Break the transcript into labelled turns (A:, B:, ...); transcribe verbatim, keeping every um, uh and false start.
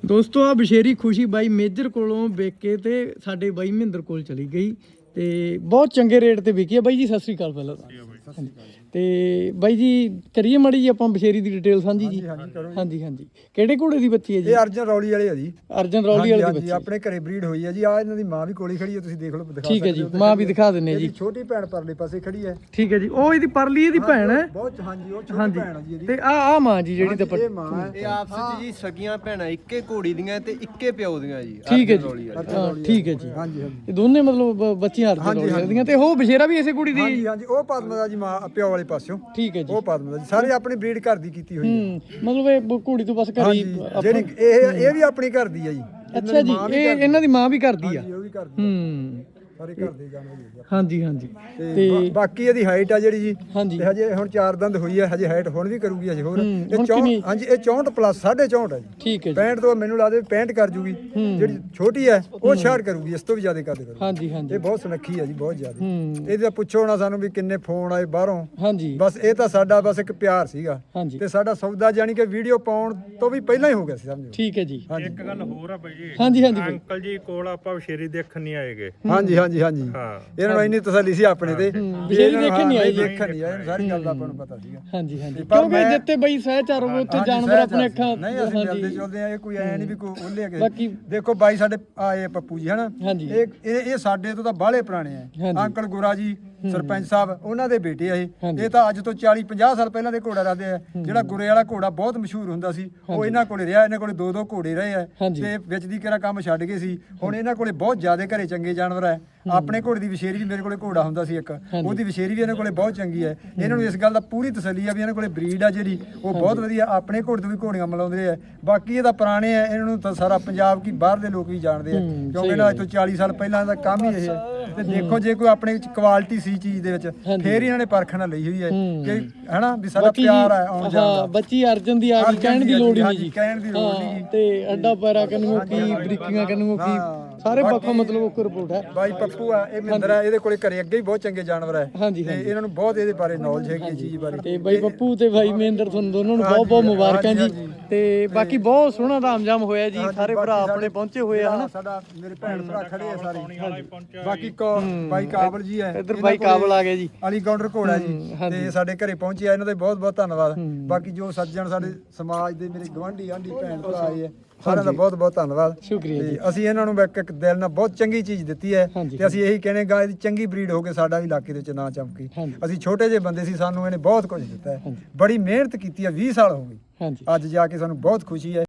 A: ਦੋਸਤੋ ਆ ਬਸ਼ੇਰੀ ਖੁਸ਼ੀ ਬਾਈ ਮੇਜਰ ਕੋਲੋਂ ਵੇਚ ਕੇ ਤੇ ਸਾਡੇ ਬਾਈ ਮਹਿੰਦਰ ਕੋਲ ਚਲੀ ਗਈ ਤੇ ਬਹੁਤ ਚੰਗੇ ਰੇਟ ਤੇ ਵਿਕੀ ਆ। ਬਾਈ ਜੀ ਸਤਿ ਸ੍ਰੀ ਅਕਾਲ ਪਹਿਲਾਂ ਤਾਂ। ਤੇ ਬਾਈ ਜੀ ਕਰੀਏ ਮਾੜੀ ਜੀ ਆਪਾਂ ਬਸ਼ੇਰੀ ਦੀ ਡਿਟੇਲ ਸਾਂਝੀ ਜੀ। ਹਾਂਜੀ ਹਾਂਜੀ ਕਿਹੜੇ ਘੋੜੇ ਦੀ ਬੱਚੀ ਹੈ ਜੀ?
B: ਇਹ ਅਰਜਨ ਰੌਲੀ ਵਾਲੇ ਆ ਜੀ।
A: ਅਰਜਨ ਰੌਲੀ ਵਾਲੇ ਦੀ ਬੱਚੀ
B: ਆਪਣੇ ਘਰੇ ਬਰੀਡ ਹੋਈ ਹੈ ਜੀ। ਆ ਇਹਨਾਂ ਦੀ ਮਾਂ ਵੀ ਕੋਲੀ ਖੜੀ ਹੈ, ਤੁਸੀਂ ਦੇਖ ਲਓ ਦਿਖਾ
A: ਠੀਕ ਹੈ ਜੀ, ਮਾਂ ਵੀ ਦਿਖਾ ਦਿੰਨੇ ਜੀ।
B: ਛੋਟੀ ਭੈਣ ਪਰਲੇ ਪਾਸੇ ਖੜੀ ਹੈ।
A: ਠੀਕ ਹੈ ਜੀ, ਉਹ ਇਹਦੀ ਪਰਲੀ ਇਹਦੀ ਭੈਣ ਹੈ
B: ਬਹੁਤ ਹਾਂਜੀ ਉਹ ਛੋਟੀ ਭੈਣ ਹੈ ਜੀ ਇਹਦੀ।
A: ਤੇ ਆ ਆ ਮਾਂ ਜੀ ਜਿਹੜੀ ਤੇ
B: ਇਹ ਮਾਂ ਹੈ।
C: ਇਹ ਆਪਸ ਵਿੱਚ ਜੀ ਸਕੀਆਂ ਭੈਣਾਂ ਇੱਕੇ ਘੋੜੀ ਦੀਆਂ ਤੇ ਇੱਕੇ ਪਿਓ ਦੀਆਂ ਜੀ।
A: ਠੀਕ ਹੈ ਜੀ, ਹਾਂ ਠੀਕ ਹੈ ਜੀ।
B: ਹਾਂਜੀ ਹਾਂਜੀ
A: ਇਹ ਦੋਨੇ ਮਤਲਬ ਬ- ਬੱਚੀਆਂ ਅਰਜਨ ਰੌਲੀ ਦੀਆਂ ਤੇ ਉਹ ਬਸ਼ੇਰਾ ਵੀ ਇਸੇ ਕੁੜੀ ਦੀ?
B: ਹਾਂਜੀ ਹਾਂਜੀ ਉਹ ਪਦਮਾ ਦਾ ਜੀ ਮਾਂ ਪਿਓ ਵਾਲੇ ਪਾਸਿਓਂ।
A: ਠੀਕ ਹੈ ਜੀ,
B: ਉਹ ਪਦਮਾ ਦਾ ਜੀ ਸਾਰੇ ਆਪਣੀ ਬਰੀਡ ਘਰ ਦੀ ਕੀਤੀ ਹੋਈ ਹੈ।
A: ਹੂੰ ਮਤਲਬ ਇਹ ਘੋੜੀ ਤੋਂ ਬਸ ਘਰੀ
B: ਹਾਂਜੀ ਜਿਹੜੀ ਇਹ ਇਹ ਵੀ ਆਪਣੀ ਘਰ ਦੀ ਹੈ ਜੀ।
A: ਅੱਛਾ ਜੀ, ਇਹ ਇਹਨਾਂ ਦੀ ਮਾਂ ਵੀ ਕਰਦੀ ਆ?
B: ਉਹ ਵੀ ਕਰਦੀ
A: ਹੂੰ
B: ਸਾਰੇ ਘਰ ਦੇ ਜਾਨਵਰ ਹੀ ਆ।
A: ਹਾਂਜੀ ਹਾਂਜੀ
B: ਤੇ ਬਾ- ਬਾਕੀ ਇਹਦੀ ਹਾਈਟ ਆ ਜਿਹੜੀ ਜੀ
A: ਹਾਂਜੀ
B: ਤੇ ਹਜੇ ਹੁਣ ਚਾਰ ਦੰਦ ਹੋਈ ਹੈ, ਹਜੇ ਹਾਈਟ ਹੁਣ ਵੀ ਕਰੂਗੀ ਹਜੇ ਹੋਰ।
A: ਹੂੰ,
B: ਇਹ
A: ਹੁਣ
B: ਚੌਂਹਠ
A: ਕਿੰਨੀ?
B: ਹਾਂਜੀ ਇਹ ਚੌਂਹਠ ਪਲੱਸ ਸਾਢੇ ਚੌਂਹਠ ਹੈ ਜੀ।
A: ਠੀਕ ਹੈ ਜੀ,
B: ਪੈਂਹਠ ਤੋਂ ਮੈਨੂੰ ਲੱਗਦਾ ਵੀ ਪੈਂਹਠ ਕਰ ਜੂਗੀ। ਜਿਹੜੀ ਛੋਟੀ ਹੈ ਉਹ ਛਿਆਹਠ ਕਰੂਗੀ, ਇਸ ਤੋਂ ਵੀ ਜ਼ਿਆਦਾ ਕਰ ਕਰੂਗੀ।
A: ਹਾਂਜੀ ਹਾਂਜੀ
B: ਇਹ ਬਹੁਤ ਸੁਨੱਖੀ ਹੈ ਜੀ, ਬਹੁਤ ਜ਼ਿਆਦਾ।
A: ਹੂੰ
B: ਇਹਦਾ ਪੁੱਛੋ ਨਾ ਸਾਨੂੰ ਵੀ ਕਿੰਨੇ ਫੋਨ ਆਏ ਬਾਹਰੋਂ।
A: ਹਾਂਜੀ
B: ਬਸ ਇਹ ਤਾਂ ਸਾਡਾ ਬਸ ਇੱਕ ਪਿਆਰ ਸੀਗਾ
A: ਹਾਂਜੀ
B: ਤੇ ਸਾਡਾ ਸੌਦਾ ਜਾਨੀ ਕਿ ਵੀਡੀਓ ਪਾਉਣ ਤੋਂ ਵੀ ਪਹਿਲਾਂ ਹੀ ਹੋ ਗਿਆ ਸੀ ਸਮਝੋ।
A: ਠੀਕ ਹੈ ਜੀ।
D: ਇੱਕ ਗੱਲ ਹੋਰ ਆ ਬਾਈ ਜੀ।
A: ਹਾਂਜੀ ਹਾਂਜੀ ਬਾਈ।
D: ਅੰਕਲ ਜੀ ਕੋਲ ਆਪਾਂ ਬਸ਼ੇਰੀ ਦੇਖਣ ਨਹੀਂ ਆਏਗੇ।
B: ਹਾਂਜੀ ਹਾਂਜੀ ਹਾਂਜੀ
D: ਹਾਂ
B: ਇਹਨਾਂ ਨੂੰ ਇੰਨੀ ਤਸੱਲੀ ਸੀ ਆਪਣੇ ਤੇ ਵੀ
A: ਬਸ਼ੇਰੀ
B: ਇਹਨਾਂ ਨੂੰ
A: ਦੇਖਣ ਨਹੀਂ
B: ਹਾਂ,
A: ਆਈ।
B: ਦੇਖਣ ਨਹੀਂ ਆਏ, ਇਹਨੂੰ ਸਾਰੀ ਗੱਲ ਦਾ ਆਪਾਂ ਨੂੰ ਪਤਾ ਸੀਗਾ।
A: ਹਾਂਜੀ ਹਾਂਜੀ
B: ਪਰ
A: ਕਿਉਂਕਿ
B: ਮੈਂ-
A: ਜਿੱਤੇ ਬਈ ਸਹਿਚਾਰ ਹੋਵੇ ਉੱਥੇ
B: ਹਾਂਜੀ,
A: ਜਾਨਵਰ
B: ਸਹਿਜ
A: ਆਪਣੇ
B: ਆ।
A: ਅੱਖਾਂ
B: ਨਹੀਂ ਅਸੀਂ ਮਿਲਦੇ
A: ਹਾਂਜੀ
B: ਚੁਲਦੇ ਆ, ਇਹ ਕੋਈ ਐ ਨਹੀਂ ਵੀ ਕੋਈ ਉਹਲੇ ਕੇ
A: ਬਾਕੀ
B: ਦੇਖੋ ਬਾਈ ਸਾਡੇ ਆਏ ਪੱਪੂ ਜੀ ਹਨਾ।
A: ਹਾਂਜੀ।
B: ਇਹ ਇਹ ਇਹ ਸਾਡੇ ਤੋਂ ਤਾਂ ਬਾਹਲੇ ਪੁਰਾਣੇ ਆ।
A: ਹਾਂਜੀ।
B: ਅੰਕਲ ਗੋਰਾ ਜੀ ਸਰਪੰਚ ਸਾਹਿਬ ਉਹਨਾਂ ਦੇ ਬੇਟੇ ਆ ਇਹ।
A: ਹਾਂਜੀ।
B: ਇਹ ਤਾਂ ਅੱਜ ਤੋਂ ਚਾਲੀ ਪੰਜਾਹ ਸਾਲ ਪਹਿਲਾਂ ਦੇ ਘੋੜਾ ਰੱਖਦੇ ਆ। ਜਿਹੜਾ ਗੁਰੇ ਵਾਲਾ ਘੋੜਾ ਬਹੁਤ ਮਸ਼ਹੂਰ ਹੁੰਦਾ ਸੀ ਉਹ ਇਹਨਾਂ ਕੋਲੇ ਰਿਹਾ। ਇਹਨਾਂ ਕੋਲੇ ਦੋ ਦੋ ਘੋੜੇ ਰਹੇ ਆ
A: ਹਾਂਜੀ।
B: ਤੇ ਵਿੱਚ ਦੀ ਕਿਹੜਾ ਕੰਮ ਛੱਡ ਗਏ ਸੀ। ਹੁਣ ਇਹਨਾਂ ਕੋਲੇ ਬਹੁਤ ਜ਼ਿਆਦਾ ਘਰੇ ਚੰਗੇ ਜਾਨਵਰ ਆ। ਆਪਣੇ ਘੋੜੇ ਦੀ ਵਿਸ਼ੇਰੀ ਵੀ ਮੇਰੇ ਕੋਲੇ ਘੋੜਾ ਹੁੰਦਾ ਸੀ ਇੱਕ, ਉਹਦੀ ਵਿਸ਼ੇਰੀ ਵੀ ਇਹਨਾਂ ਕੋਲੇ ਬਹੁਤ ਚੰਗੀ ਹੈ। ਇਹਨਾਂ ਨੂੰ ਇਸ ਗੱਲ ਦਾ ਪੂਰੀ ਤਸੱਲੀ ਆ ਵੀ ਇਹਨਾਂ ਕੋਲੇ ਬਰੀਡ ਆ ਜਿਹੜੀ ਉਹ ਬਹੁਤ ਵਧੀਆ। ਆਪਣੇ ਘੋੜੇ ਤੋਂ ਵੀ ਘੋੜੀਆਂ ਮਿਲਾਉਂਦੇ ਆ। ਬਾਕੀ ਇਹ ਤਾਂ ਪੁਰਾਣੇ ਆ, ਇਹਨਾਂ ਨੂੰ ਤਾਂ ਸਾਰਾ ਪੰਜਾਬ ਕੀ ਬਾਹਰ ਦੇ ਲੋਕ ਵੀ ਜਾਣਦੇ ਆ ਕਿਉਂਕਿ ਇਹਨਾਂ ਅੱਜ ਤੋਂ ਚਾਲੀ ਸਾਲ ਪਹਿਲਾਂ ਦਾ ਕੰਮ ਹੀ ਇਹ ਹੈ। ਤੇ ਦੇਖੋ ਜੇ ਕੋਈ ਆਪਣੇ ਵਿੱਚ ਕੁਆਲਿਟੀ ਸੀ ਚੀਜ਼ ਦੇ ਵਿੱਚ ਫੇਰ ਹੀ ਇਹਨਾਂ ਨੇ ਪਰਖਣਾ ਲਈ ਹੋਈ ਹੈ ਕਿ ਹਨਾ ਵੀ ਸਾਡਾ ਪਿਆਰ ਆ ਆਉਣ ਜਾਣ
A: ਹਾਂ
B: ਦਾ।
A: ਬੱਚੀ ਅਰਜਨ ਦੀ ਆ ਗਈ, ਕਹਿਣ ਦੀ ਲੋੜ ਹੀ ਨਹੀਂ ਜੀ।
B: ਕਹਿਣ ਦੀ ਲੋੜ ਨਹੀਂ
A: ਹਾਂ, ਤੇ ਅੱਡਾ ਪੈਰਾ ਕੰਨੂ ਕੀ ਬਰੀਕੀਆਂ ਕੰਨੂ ਕੀ ਸਾਰੇ ਪੱਖੋਂ ਮਤਲਬ ਉਹ ਰਿਪੋਰਟ ਹੈ।
B: ਬਾਈ ਪੱਪੂ ਆ ਇਹ ਮਹਿੰਦਰ ਆ, ਇਹਦੇ ਕੋਲੇ ਘਰੇ ਅੱਗੇ ਹੀ ਬਹੁਤ ਚੰਗੇ ਜਾਨਵਰ ਹੈ
A: ਹਾਂਜੀ
B: ਤੇ
A: ਹਾਂਜੀ
B: ਇਹਨਾਂ ਨੂੰ ਬਹੁਤ ਇਹਦੇ ਬਾਰੇ ਨੌਲੇਜ ਹੈਗੀ ਇਸ ਚੀਜ਼ ਬਾਰੇ।
A: ਤੇ ਬਾਈ ਪੱਪੂ ਤੇ ਬਾਈ ਮਹਿੰਦਰ ਤੁਹਾਨੂੰ ਦੋਨੋਂ ਨੂੰ ਬਹੁਤ ਬਹੁਤ ਮੁਬਾਰਕਾਂ ਜੀ। ਤੇ ਬਾਕੀ ਬਹੁਤ ਸੋਹਣਾ ਤਾਮਝਾਮ ਹੋਇਆ ਜੀ। ਸਾਰੇ ਭਰਾ ਆਪਣੇ ਪਹੁੰਚੇ ਹੋਏ ਆ ਹਨਾ।
B: ਸਾਡਾ ਮੇਰੇ ਭੈਣ ਭਰਾ ਖੜੇ ਆ ਸਾਰੇ। ਬਾਕੀ ਕੋ ਬਾਈ ਕਾਬਲ ਜੀ ਹੈ,
A: ਇੱਧਰ ਬਾਈ ਕਾਬਲ ਆ ਗਿਆ ਜੀ।
B: ਅਲੀ ਗੌਂਡਰ ਘੋੜਾ ਜੀ ਤੇ ਸਾਡੇ ਘਰੇ ਪਹੁੰਚੇ ਆ। ਇਹਨਾਂ ਦਾ ਬਹੁਤ ਬਹੁਤ ਧੰਨਵਾਦ। ਬਾਕੀ ਜੋ ਸੱਜਣ ਸਾਡੇ ਸਮਾਜ ਦੇ ਮੇਰੇ ਗਵਾਂਢੀ ਆਂਢੀ ਭੈਣ ਭਰਾ ਆਏ ਆ ਸਾਰਿਆਂ ਦਾ ਬਹੁਤ ਬਹੁਤ ਧੰਨਵਾਦ।
A: ਸ਼ੁਕਰੀਆ ਜੀ।
B: ਤੇ ਅਸੀਂ ਇਹਨਾਂ ਨੂੰ ਇੱਕ ਇੱਕ ਦਿਲ ਨਾਲ ਬਹੁਤ ਚੰਗੀ ਚੀਜ਼ ਦਿੱਤੀ ਹੈ
A: ਹਾਂਜੀ।
B: ਤੇ ਅਸੀਂ ਇਹੀ ਕਹਿੰਦੇ ਗਾ ਇਹਦੀ ਚੰਗੀ ਬਰੀਡ ਹੋ ਕੇ ਸਾਡਾ ਵੀ ਇਲਾਕੇ ਦੇ ਵਿੱਚ ਨਾਂ ਚਮਕੇ।
A: ਹਾਂਜੀ।
B: ਅਸੀਂ ਛੋਟੇ ਜਿਹੇ ਬੰਦੇ ਸੀ, ਸਾਨੂੰ ਇਹਨੇ ਬਹੁਤ ਕੁਝ ਦਿੱਤਾ ਹੈ।
A: ਹਾਂਜੀ।
B: ਬੜੀ ਮਿਹਨਤ ਕੀਤੀ ਹੈ, ਵੀਹ ਸਾਲ ਹੋ ਗਏ।
A: ਹਾਂਜੀ
B: ਅੱਜ ਜਾ ਕੇ ਸਾਨੂੰ ਬਹੁਤ ਖੁਸ਼ੀ ਹੈ।